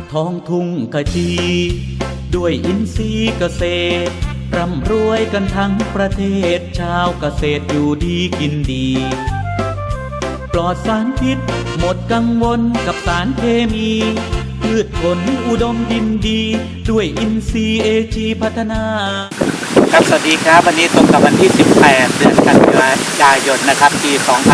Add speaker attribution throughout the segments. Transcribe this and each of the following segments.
Speaker 1: ท้องทุ่งขจีด้วยอินทรีย์เกษตรร่ำรวยกันทั้งประเทศชาวเกษตรอยู่ดีกินดีปลอดสารพิษหมดกังวลกับสารเคมีพืชผลอุดมดินดีด้วยอินทรีย์AGพัฒนาครับสวัสดีครับวันนี้ตรงกับวันที่ 18 เดือนกันยายนนะครับปี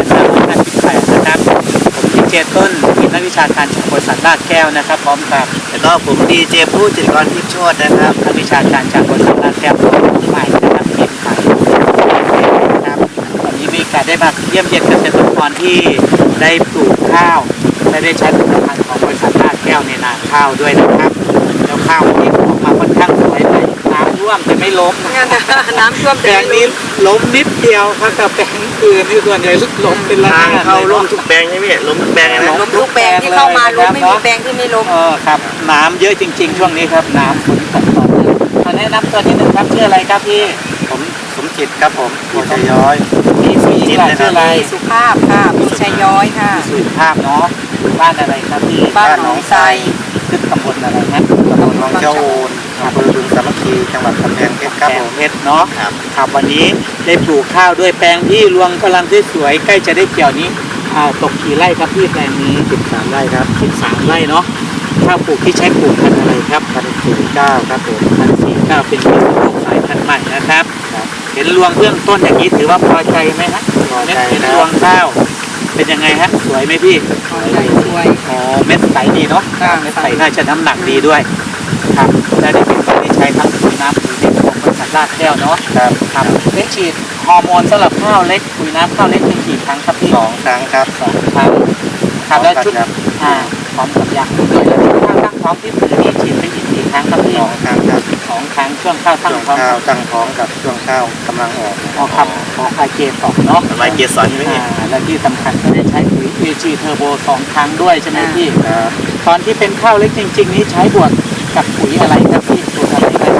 Speaker 1: 2558 นะครับผมดีเจต้นทีมนักวิชาการจากบริษัทลาดแก้วนะครับพร้อมกับ
Speaker 2: แล้วก็ผมดีเจผู้จิตรกรทิพย์โชตินะครับ
Speaker 1: นักวิชาการจากบริษัทลาดแก้วใหม่นะครับทีมไทยครับวันนี้มีการได้มาเยี่ยมเยียนเกษตรกรที่ได้ปลูกข้าวและได้ใช้ผลิตภัณฑ์ของบริษัทลาดแก้วในนาข้าวด้วยนะครับแล้วข้าวนี้ออกมาค่อนข้างสวยเลยน้ำท่วมแต่ไม่ล้ม
Speaker 3: น้ำท่วม
Speaker 1: แปลงนี้ล้มนิดเดียวครับแต่แปลงอื่นนี่ส่วนใหญ่ล้มเป็นระนาด
Speaker 2: เข้าล้มทุกแปลงใช่ไหมล้มทุกแปลงนะ
Speaker 3: ล้มทุกแปลงที่เข้ามาล้มไม่มีแปลงที่ไม่ล้ม
Speaker 1: ครับน้ำเยอะจริงๆช่วงนี้ครับน้ำฝนตกต่อเนื่องตอนนี้นับตัวที่หนึ่งครับชื่ออะไรครับพี่
Speaker 2: ผมสมจิตครับผมโพชัยย้อย
Speaker 1: พี่สุจิตชื่ออะไร
Speaker 3: สุภาพค่ะพี่ชัยย้อยค่ะ
Speaker 1: สุภาพเนาะบ้านอะไรครับพี่
Speaker 3: บ้านหนองไทร
Speaker 1: ขึ้นตำบลอะไรนะ
Speaker 2: ตำบลหนองเจ้าโอนอำเภอบึงสามัคคีจังหวัดกำแพงเพชรครับผม
Speaker 1: เพชรเนาะครับวันนี้ได้ปลูกข้าวด้วยแปลงที่รวงกำลังสวยใกล้จะได้เกี่ยวนี้ตกกี่ไร่ครับพี่แปลงนี้
Speaker 2: 13 ไร่ครับ
Speaker 1: 13 ไร่เนาะข้าวปลูกที่ใช้ปลูกพันธุ์อะไรครับ
Speaker 2: 1,049ครับผม
Speaker 1: 1,049เป็นที่ปลูกสายพันธุ์ใหม่นะครับเห็นรวงเบื้องต้นอย่างนี้ถือว่าพอใจไหมฮะ
Speaker 2: พอใจ
Speaker 1: เห็นรวงข้าวเป็นยังไงฮะสวยไหมพี่
Speaker 3: สวย
Speaker 1: เม็ดใสดีเนาะเม็ดใสน่าจะน้ำหนักดีด้วยครับได้เป็นคนที่ใช้ทั้งปุ๋ยน้ำปุ๋ยเล็กของบริษัทลาดแก้วเนาะครับได้ฉีดฮอร์โมนสำหรับข้าวเล็กปุ๋ยน้ำข้าวเล็กเป็นกี่ครั้งครับพี่
Speaker 2: 2 ครั้งครับ
Speaker 1: 2 ครั้งครับแล้วชุดพร้อมกับยาด้วยแล้วที่ข้าวตั้งท้องที่ปุ๋ยนี่ฉีดไปอีกกี่ครั้งครับพี่
Speaker 2: 2 ครั้งครับ
Speaker 1: 2 ครั้งช่วงข้าวตั้งท้อง
Speaker 2: ตั้งท้องกับช่วงข้าวกำลังออก
Speaker 1: ครับของไอเกส2เนาะ
Speaker 2: ไอเกส2ใช่ไหมพี่
Speaker 1: และที่สำคัญก็ได้ใช้ปุ๋ย AG Turbo 2 ครั้งด้วยใช่ไหมพี่ตอนที่เป็นข้าวเล็กจริงๆนี้ใช้บวกกับปุ๋ยอะไรครับพี่ปุ๋ยอะไรครับ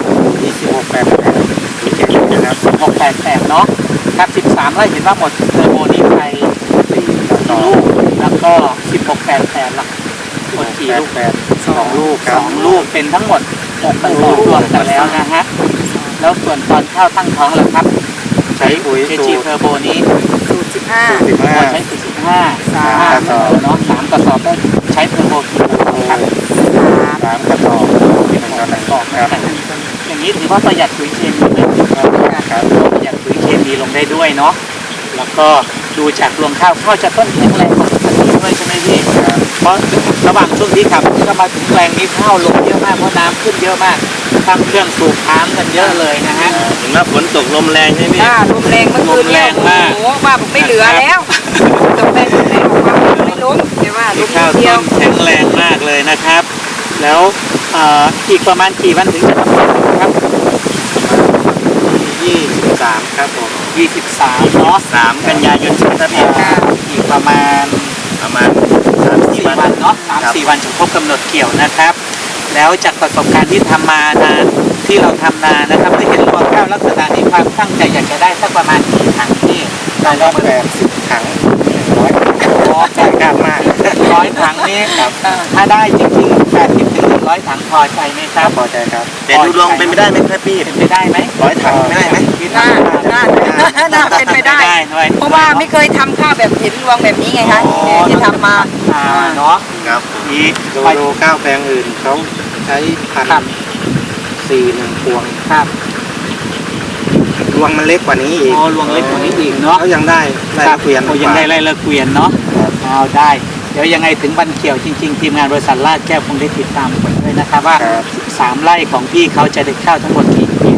Speaker 2: 2688นะครับ
Speaker 1: 688เนาะครับ13 ไร่เห็นว่าหมดเทอร์โบนี้ไป4 ลูกแล้วก็1688หลักหมดกี่ลูก
Speaker 2: 2 ลูก
Speaker 1: 2 ลูกเป็นทั้งหมด6 กระสอบรวมกันแล้วนะฮะแล้วส่วนตอนข้าวตั้งท้องล่ะครับ
Speaker 2: ใช้ปุ๋ย
Speaker 1: AG Turboนี้
Speaker 3: สูตร
Speaker 1: 15ใช้สูตร15 3 กระสอบเนาะ3 กระสอบได้ใช้เทอร์โบกี่ครับ
Speaker 2: 3 กระสอบ
Speaker 1: ครับอย่างนี้ถือว่าประหยัดปุ๋ยเคมีไหมครับประหยัดปุ๋ยเคมีลงได้ด้วยเนาะแล้วก็ดูจากรวงข้าวจะต้นแข็งแรงกว่าปกติด้วยใช่ไหมพี่เพราะระหว่างช่วงที่ขับก็มาถึงแปลงนี้ข้าวลงเยอะมากเพราะน้ำขึ้นเยอะมากทำเครื่องสูบน้ำกันเยอะเลยนะฮะ
Speaker 2: เห็นว่าฝนตกลมแรงใช่ไหม
Speaker 3: ลมแรงเมื่อคืนเนี่ยโอ้โหว่าผมไม่เหลือแล้วตกแรงไม่ออกมาไม่ล้มแต่ว่าล้มเดียว
Speaker 1: แข็งแรงมากเลยนะครับแล้วอีกประมาณกี่วันถึงจะทำครับ
Speaker 2: 23ครับผม
Speaker 1: 23เนาะ
Speaker 2: 3 กันยายนครับ
Speaker 1: อีกประมาณ 3-4 วันเนาะ 3-4 วันจะครบกำหนดเกี่ยวนะครับแล้วจากประสบการณ์ที่ทำมานะที่เราทำนานะครับได้เห็นรวงข้าวลักษณะนี้ความตั้งใจอยากจะได้สักประมาณกี่ถังนี่
Speaker 2: ได้80 ถัง100 ถังกันมาก
Speaker 1: 100 ถังนี่ถ้าได้จริงๆ80-100 ถังพอใจไหมครับ
Speaker 2: พอใจครับแต่ดูลองเป็นไปได้ไหมครับพี่
Speaker 1: เป็นไปได้ไหม
Speaker 2: 100 ถังไม่ได้ไหม
Speaker 3: น่าเป็นไปได้เพราะว่าไม่เคยทำข้าวแบบเห็นรวงแบบนี้ไงคะที่ทำมา
Speaker 1: เนาะ
Speaker 2: ครับนี่ดูข้าวแปลงอื่นเขาใช้1,400 พวง
Speaker 1: ครับ
Speaker 2: รวงมันเล็กกว่านี้อีก
Speaker 1: รวงเล็กกว่านี้อีกเนาะ
Speaker 2: เขายังได้ละเกวียน
Speaker 1: ยังได้ไร่ละเกวียนเนาะเอาได้เดี๋ยวยังไงถึงวันเกี่ยวจริงๆทีมงานบริษัทลาดแก้วคงได้ติดตามผลด้วยนะครับว่า3 ไร่ของพี่เขาจะได้ข้าวทั้งหมดกี่